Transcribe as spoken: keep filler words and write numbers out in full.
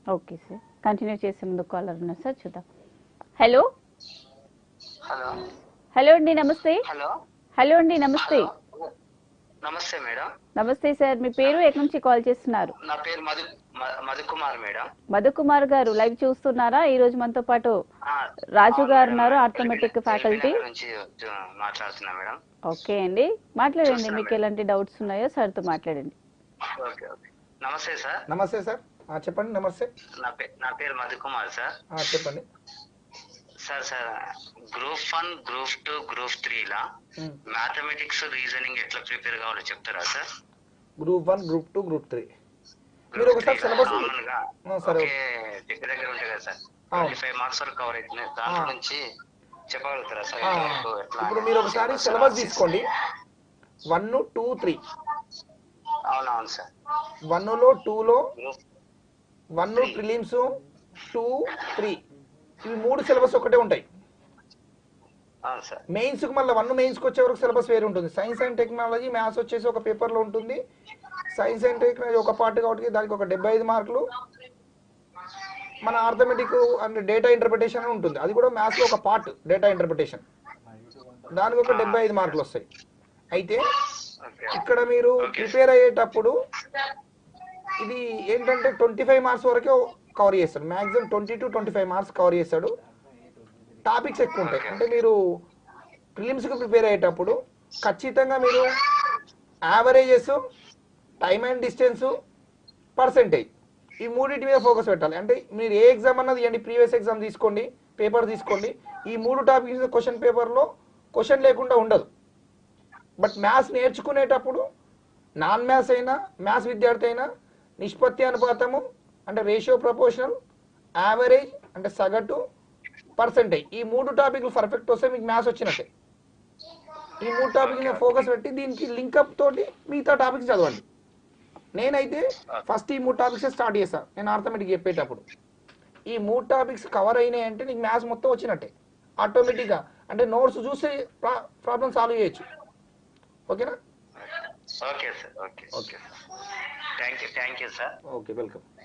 Okay sir, continue చేసే ముందు caller ఉన్నారు సార్, చూద్దాం. హలో హలో హలో అండి, నమస్తే. హలో హలో అండి, నమస్తే. హలో నమస్తే మేడం. నమస్తే సార్, మీ పేరు ఎక్కడి నుంచి కాల్ చేస్తున్నారు? నా పేరు మధు మ- మధుకుమార్ మేడం. మధుకుమార్ గారు లైవ్ చూస్తున్నారా? ఈ రోజు మనతో పాటు ఆ, రాజు అవును గారు మేడం. ఉన్నారు, LB arithmetic LB faculty. Nagar నుంచి చూ- మాట్లాడుతున్నా మేడం. ఓకే అండి, మాట్లాడండి. చూస్తున్నా మీకు మేడం. ఎలాంటి డౌట్స్ ఉన్నాయో సార్తో మాట్లాడండి. ఓకే ఓకే నమస్తే సార్. నమస్తే సార్. ఆ, చెప్పండి. నమస్తే. నా పేరు నా పేరు మధుకుమార్ సార్. ఆ, చెప్పండి. Sir sir group one group two group three లా ఉమ్. మ్యాథమెటిక్స్ రీజనింగ్ ఎట్లా ప్రిపేర్ కావాలో చెప్తారా sir? Group one, group two, group three మీరు ఒకసారి సిలబస్ కామన్ గా సరే. ఒకే దగ్గర దగ్గర ఉంటాయి కదా సార్. అవును. ట్వంటీ ఫైవ్ మార్క్స్ వరకు కవర్ అవుతున్నాయి. దాంట్లో ఆ. నుంచి చెప్పగలుగుతారా సార్? ఆ, ఎంతవరకు ఎట్లా ఇప్పుడు అని? మీరు ఒకసారి సిలబస్ తీసుకోండి. వన్ టూ త్రీ అవునవును సార్. వన్లో టూలో group one prelims, two three ఇవి మూడు సిలబస్ ఒకటే ఉంటాయి. అవును సార్. మెయిన్స్కి మళ్ళీ వన్ మెయిన్స్కి వచ్చే వరకు సిలబస్ వేరు ఉంటుంది. సైన్స్ అండ్ టెక్నాలజీ, మ్యాథ్స్ వచ్చేసి ఒక పేపర్లో ఉంటుంది. సైన్స్ అండ్ టెక్నాలజీ ఒక పార్ట్ కాబట్టి దానికి ఒక డెబ్బై ఐదు మార్కులు. మన ఆర్థమెటిక్ అండ్ డేటా ఇంటర్ప్రిటేషన్ ఉంటుంది, అది కూడా మ్యాథ్స్లో ఒక పార్ట్, డేటా ఇంటర్ప్రిటేషన్, దానికి ఒక డెబ్బై ఐదు మార్కులు వస్తాయి. అయితే ఇక్కడ మీరు ప్రిపేర్ అయ్యేటప్పుడు ఇది ఏంటంటే ట్వంటీ ఫైవ్ మార్క్స్ వరకే కవర్ చేస్తాడు. Maximum twenty to twenty five marks cover చేస్తాడు. టాపిక్స్ ఎక్కువ ఉంటాయి. అంటే మీరు ప్రిలిమ్స్కి ప్రిపేర్ అయ్యేటప్పుడు ఖచ్చితంగా మీరు averages, time and distance, percentage ఈ మూడింటి మీద ఫోకస్ పెట్టాలి. అంటే మీరు ఏ ఎగ్జామ్ అన్నది ఇవ్వండి, ప్రీవియస్ ఎగ్జామ్ తీసుకోండి, పేపర్ తీసుకోండి, ఈ మూడు టాపిక్స్ క్వశ్చన్ పేపర్లో క్వశ్చన్ లేకుండా ఉండదు. బట్ మ్యాథ్స్ నేర్చుకునేటప్పుడు నాన్ మ్యాథ్స్ అయినా, మ్యాథ్స్ విద్యార్థి అయినా నిష్పత్తి అనుపాతము అంటే రేషియో ప్రపోర్షనల్, యావరేజ్ అంటే సగటు, పర్సెంటేజ్ ఈ మూడు టాపిక్లు పర్ఫెక్ట్ వస్తే మీకు మ్యాథ్స్ వచ్చినట్టే. ఈ మూడు టాపిక్స్ మీద ఫోకస్ పెట్టి దీనికి లింకప్ తోటి మిగతా టాపిక్స్ చదవండి. నేనైతే ఫస్ట్ ఈ మూడు టాపిక్స్ స్టార్ట్ చేస్తాను నేను ఆర్థమెటిక్ చెప్పేటప్పుడు. ఈ మూడు టాపిక్స్ కవర్ అయినాయి అంటే నీకు మ్యాథ్స్ మొత్తం వచ్చినట్టే ఆటోమేటిక్గా. అంటే నోట్స్ చూసి ప్రాబ్లమ్ సాల్వ్ చేయొచ్చు. ఓకేనా? Okay sir. Okay okay thank you thank you sir. Okay, welcome.